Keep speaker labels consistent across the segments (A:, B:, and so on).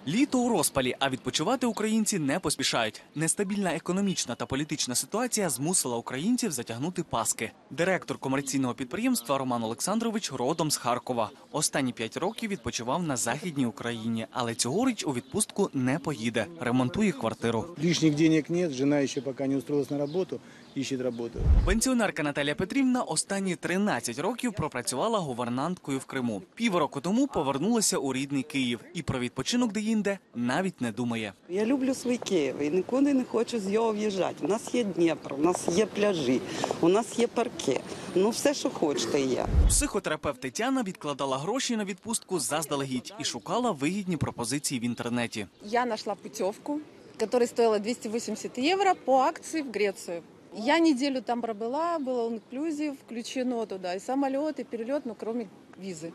A: Літо у розпалі, а відпочивати українці не поспішають. Нестабільна економічна та політична ситуація змусила українців затягнути паски. Директор комерційного підприємства Роман Олександрович родом з Харкова. Останні 5 років відпочивав на Західній Україні, але цьогоріч у відпустку не поїде. Ремонтує квартиру.
B: Лишних денег нет, жена ще поки не устроилась на роботу, ищет роботу.
A: Пенсіонерка Наталія Петрівна останні 13 років пропрацювала гувернанткою в Криму. Півроку тому повернулася у рідний Київ і про відпочинок деінде навіть не думає.
C: Я люблю свій Київ і нікуди не хочу з його в'їжджати. У нас є Дніпро, у нас є пляжі, у нас є парки. Ну все, що хочете, є.
A: Психотерапевт Тетяна відкладала гроші на відпустку заздалегідь і шукала вигідні пропозиції в інтернеті.
D: Я нашла путевку, которая стоила 280 евро по акции в Грецию. Я неделю там пробыла, было all-inclusive, включено туда и самолет, и перелет, но кроме визы.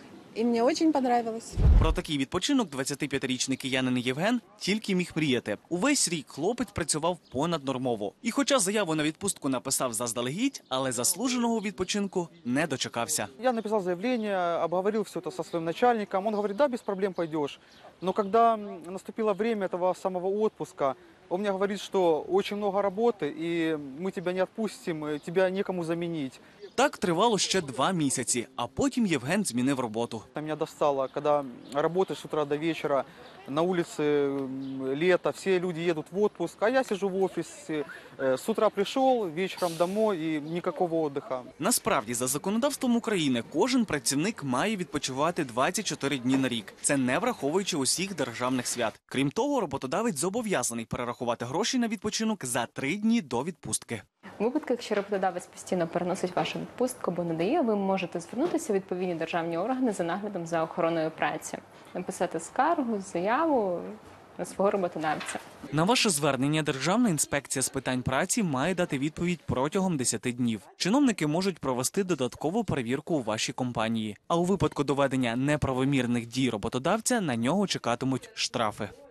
D: И мне очень понравилось.
A: Про такий відпочинок 25-річний киянин Євген тільки міг мріяти. Увесь рік хлопець працював понаднормово. І хоча заяву на відпустку написав заздалегідь, але заслуженого відпочинку не дочекався.
E: Я написал заявление, обговорил все это со своим начальником. Он говорит, да, без проблем пойдешь. Но когда наступило время этого самого отпуска, он мне говорит, что очень много работы, и мы тебя не отпустим, тебя некому заменить.
A: Так тривало ще 2 місяці, а потім Євген змінив роботу.
E: Меня достало, когда работаешь с утра до вечера, на улице лето, все люди едут в отпуск, а я сижу в офисе, с утра пришел, вечером домой и никакого отдыха.
A: Насправді, за законодавством України, кожен працівник має відпочивати 24 дні на рік. Це не враховуючи усіх державних свят. Крім того, роботодавець зобов'язаний перерахувати гроші на відпочинок за 3 дні до відпустки.
F: У випадку, якщо роботодавець постійно переносить вашу відпустку або не дає, ви можете звернутися у відповідні державні органи за наглядом за охороною праці, написати скаргу, заяву на свого роботодавця.
A: На ваше звернення Державна інспекція з питань праці має дати відповідь протягом 10 днів. Чиновники можуть провести додаткову перевірку у вашій компанії. А у випадку доведення неправомірних дій роботодавця на нього чекатимуть штрафи.